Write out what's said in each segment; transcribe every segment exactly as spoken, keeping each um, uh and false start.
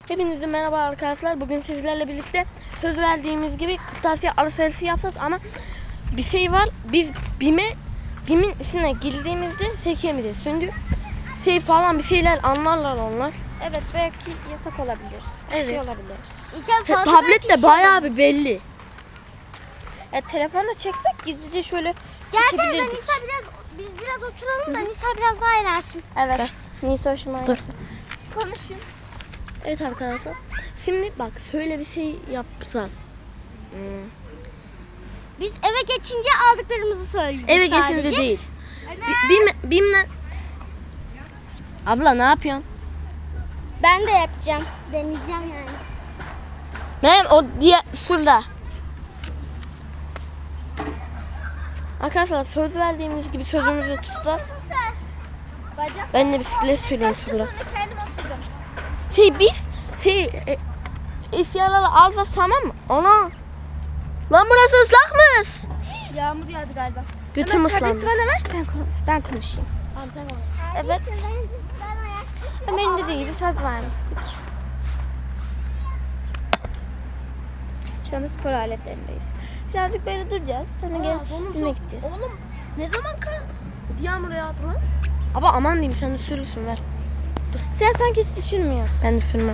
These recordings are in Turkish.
Hepinize merhaba arkadaşlar. Bugün sizlerle birlikte söz verdiğimiz gibi kırtasiye alışverişi yapacağız ama bir şey var. Biz BİM'e BİM'in içine girdiğimizde çekemeyeceğiz. Çünkü şey falan bir şeyler anlarlar onlar. Evet, belki yasak olabilir. Bir Evet. şey olabilir. He, tablet de bayağı bir belli. Ya telefonla çeksek gizlice şöyle Gelsene çekebilirdik. Nisa biraz, biz biraz oturalım da Nisa biraz daha eğlensin. Evet. Gel. Nisa hoşuma Dur. gitti. Konuşun. Evet arkadaşlar. Şimdi bak şöyle bir şey yapacağız. Hmm. Biz eve geçince aldıklarımızı söyleyeceğiz Eve sadece. geçince değil. Bi- BİM, BİM'den... Abla ne yapıyorsun? Ben de yapacağım. Deneyeceğim yani. Benim o diye şurada. Arkadaşlar söz verdiğimiz gibi sözümüzü tutacağız. Bacak. Ben de bisiklet süreyim şurada. Kendim oturdum. Şey biz şey e, eşyaları alacağız, tamam mı? Ana. Lan burası ıslakmış. Yağmur yağdı galiba. Götüm Ömer, tableti ıslandı. bana ver, sen kon- ben konuşayım. Evet. Ömer'in dediği gibi söz vermiştik. Şu anda spor aletlerindeyiz. Birazcık böyle duracağız. Sonra gel BİM'e gideceğiz. Oğlum ne zaman ka yağmur yağdı lan? Ama aman diyeyim, sen de sürürsün, ver. Sen sanki hiç düşünmüyorsun. Ben de sürmem.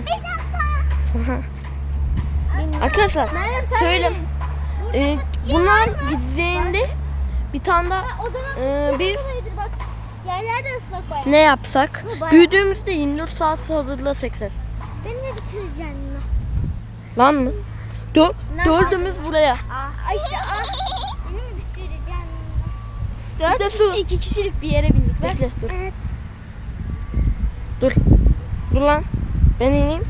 Arkadaşlar söyle. E, bunlar gideceğinde bir tane daha O zaman e, biz kolaydır bak. Yerler de ıslak bayağı. ne yapsak? bayağı. Büyüdüğümüzde yirmi dört saat hazırlasak ses. Beni ne bitireceksin yine? Lan mı? Dö Ne dördümüz buraya. Ah. Ay işte ah. Beni mi bitireceksin? Dört İşte kişi su. iki kişilik bir yere bindik. Ver. Bekle, dur. Evet. Dur. Dur lan. Ben ineyim.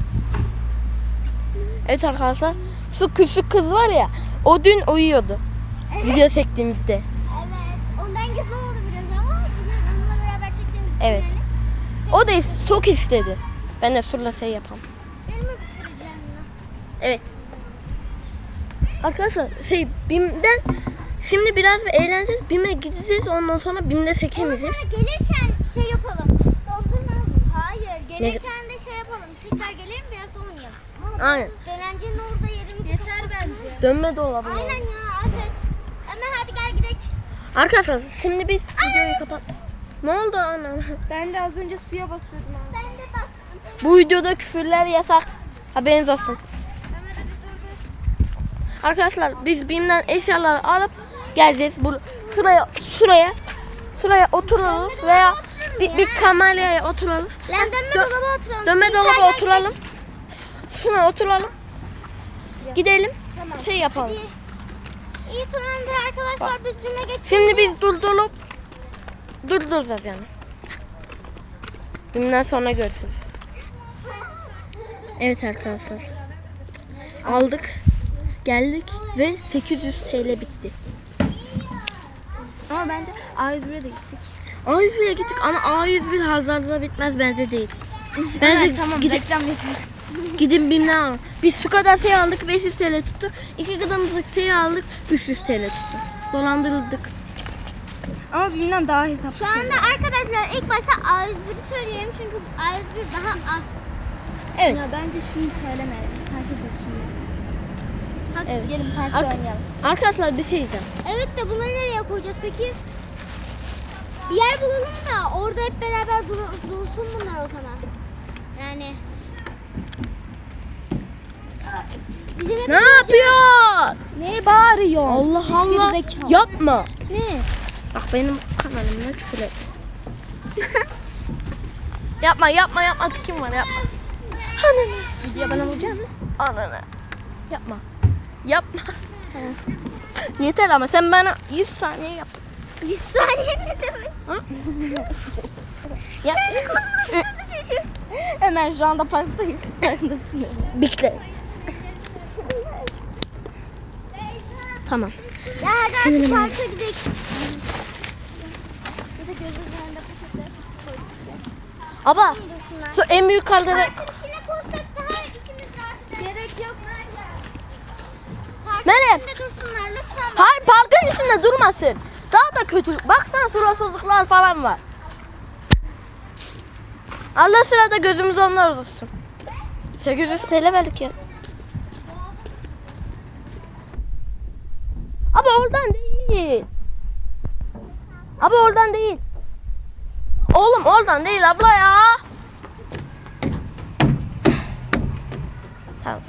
Evet arkadaşlar. Su küçük kız var ya. O dün uyuyordu. Video çektiğimizde. Evet. Ondan gizli oldu biraz ama bugün onunla beraber çektiğimiz Evet. yani. O da çok istedi. Ben de Sur'la şey yapam. Beni mi bitireceksin yine? Evet. Arkadaşlar şey BİM'den şimdi biraz bir eğleneceğiz. BİM'e gideceğiz, ondan sonra BİM'de çekemeyeceğiz. Ama gelirken şey yapalım. Dondurma mı? Hayır. Gelirken de şey yapalım. Tekrar gelelim biraz da oynayalım. Ama Aynen. Dönencenin orada yerimizi Yeter kapatsın. bence. Dönme dolabı. Aynen ya. Evet. Hemen hadi gel gidelim. Arkadaşlar şimdi biz videoyu kapat. Ne oldu anam? Ben de az önce suya basıyordum abi. Ben de bastım. Bu videoda küfürler yasak. Haberiniz olsun. Ömer hadi dur dur. Arkadaşlar biz BİM'den eşyaları alıp geleceğiz. Bu şuraya şuraya şuraya otururuz veya bir, bir kameraya otururuz. Lan dönme Dö- dolaba oturalım. Dönme Nisa dolaba gel oturalım. Şuna oturalım. Gidelim. Tamam. Şey yapalım. Hadi. İyi tamamdır arkadaşlar. Biz BİM'e geçelim. Şimdi biz durdurup durduracağız yani. BİM'den sonra görüşürüz. Evet arkadaşlar. Aldık. Geldik ve sekiz yüz T L bitti. Ama bence A yüz bire de gittik. A yüz bire gittik ama A yüz bir hazırda bitmez, bence değil. Bence Evet, tamam, gidip reklam yaparız. gidin BİM'den alın. Biz su kadar şey aldık, beş yüz T L tuttu. İki kadarımızlık şey aldık, üç yüz T L tuttu. Dolandırıldık. Ama BİM'den daha hesaplı Şu şey. anda arkadaşlar ilk başta A yüz biri söyleyelim çünkü A yüz bir daha az. Evet. Ya bence şimdi söylemeyelim. Herkes açılmaz. Hadi Evet. gelin parkta Ar- oynayalım. Arkadaşlar bir şey diyeceğim. Evet de bunları nereye koyacağız peki? Bir yer bulalım da orada hep beraber dur- dursun bunlar o zaman. Yani. Bizim hep Ne yapıyor? Ne bağırıyor? Allah Allah. Gerizekalı. Yapma. Ne? Bak benim kanalımda küfür et. yapma yapma yapma. Kim var, yapma. Ananı. Video bana vuracak mı? Ananı. Yapma. Yapma. Yeter ama sen bana yüz saniye yap. yüz saniye ne demek? Yap. Ömer şu anda parktayız. Farkındasın. Bekle. Tamam. Ya hadi artık Sinirim parka gidelim. Bir de gözümün önünde poşetleri koyduk. Aba. Dursunlar. Şu en büyük kaldırı. Parkın içine koysak daha ikimiz rahat. Gerek yok. Parkın Meryem. içinde dursunlar lütfen. Hayır, parkın içinde durmasın. Daha da kötü. Baksana suratsızlıklar falan var. Allah sırada gözümüz onlar olsun. sekiz yüz T L verdik ya. Abi oradan değil. Abi oradan değil. Oğlum oradan değil abla ya. Tamam.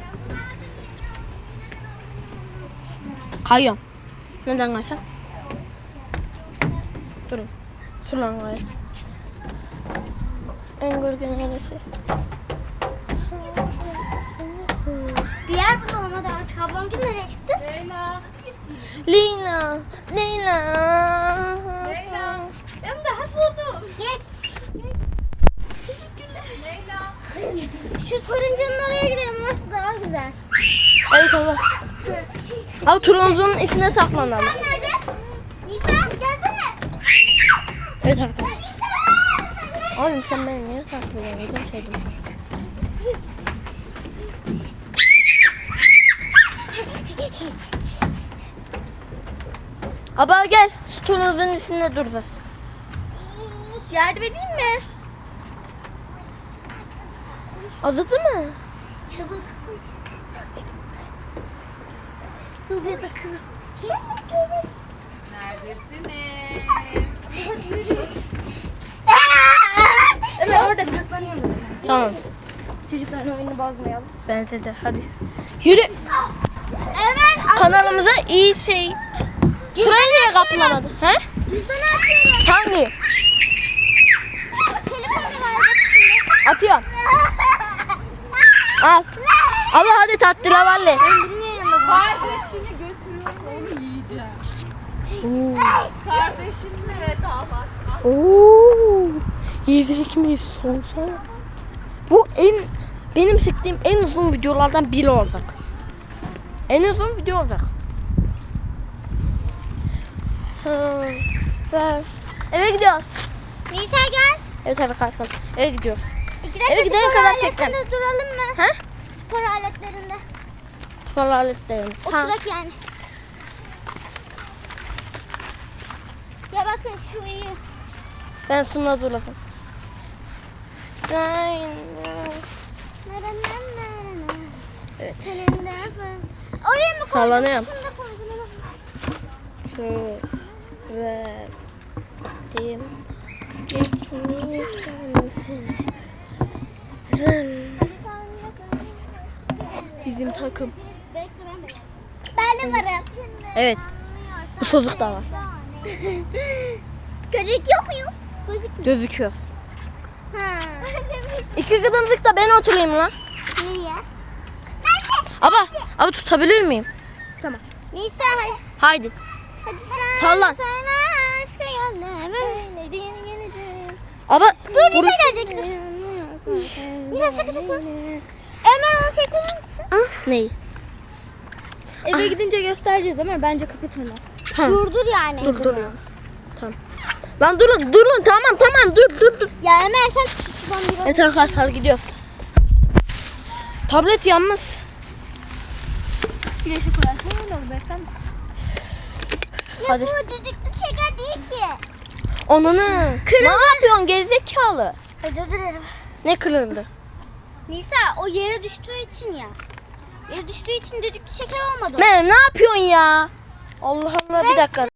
Kayıyorum. Neden kaysam? Durun. Sulan kayı. En gölge neresi? Bir yer bulalım hadi artık. Ablam gün nereye çıktı? Leyla. Leyla. Leyla. Leyla. Ben daha buldum. Geç. Leyla. Şu turuncunun oraya gidelim. Orası daha güzel. Evet abla. Abi turuncunun içine saklanalım. Sen nerede? Nisa gelsene. Evet arkadaşlar. Oğlum sen beni niye takip ediyorsun? Gözüm sevdim. Abla gel. Turuncunun içinde duracağız. Yardım edeyim mi? Azıdı mı? Çabuk. Dur bir bakalım. Gelin gelin. Neredesiniz? Ömer orada saklanıyorum. Tamam. Çocukların oyunu bozmayalım. Bence de hadi. Yürü. Ömer Kanalımıza iyi şey. Şurayı niye kaplamadı? He? cüzdanı atıyorum. Hangi? Telefonu ver bak şimdi. Atıyorum. Al. Abla hadi tatlı lavalle. Kardeşini götürüyorum onu yiyeceğim. Kardeşinle vedalaş. Oo. Yiyecek miyiz? Sorsana. Bu en benim çektiğim en uzun videolardan biri olacak. En uzun video olacak. Ha, ver. Eve gidiyoruz. Nisa gel. Evet arkadaşlar eve gidiyoruz. İki dakika Eve gidene spor kadar aletlerinde çekeceğim. duralım mı? He? Spor aletlerinde. Spor aletlerim. Tamam. Oturak yani. Ya bakın şu iyi. Ben sunla durasın. Sen... Evet. Oraya mı koydun? Sallanıyorum. Şunu da koydun. Söz verdim. Geçmeyeceğim seni. Sen bizim takım. Ben de varım. Evet. Bu çocuk da var. Gözüküyor muyum? Gözükmüyor. Gözüküyor. Ha. İki kızımcık da ben oturayım lan. Niye? Aba, abi tutabilir miyim? Tamam. Nisa hadi. Haydi. Hadi sen. Sallan. Sana aşka yandı. Böyle geleceğim. Aba, Dur vur. Nisa gelecek. Nisa sıkı sıkı. Ömer onu çekilir misin? Ah, neyi? Eve gidince göstereceğiz Ömer. Bence kapat onu. Tamam. Durdur yani. Dur, dur. Tamam. Lan durun, durun. Tamam, tamam. Dur, dur, dur. Ya Ömer sen şuradan biraz. Evet arkadaşlar gidiyoruz. Tablet yalnız. Flaşı koyarsın öyle olur beyefendi. Ya Hadi. bu düdüklü şeker değil ki. Onunu. Ne yapıyorsun gerizekalı? Özür dilerim. Ne kırıldı? Nisa o yere düştüğü için ya. Yere düştüğü için düdüklü şeker olmadı. o. Ne, ne yapıyorsun ya? Allah Allah bir dakika.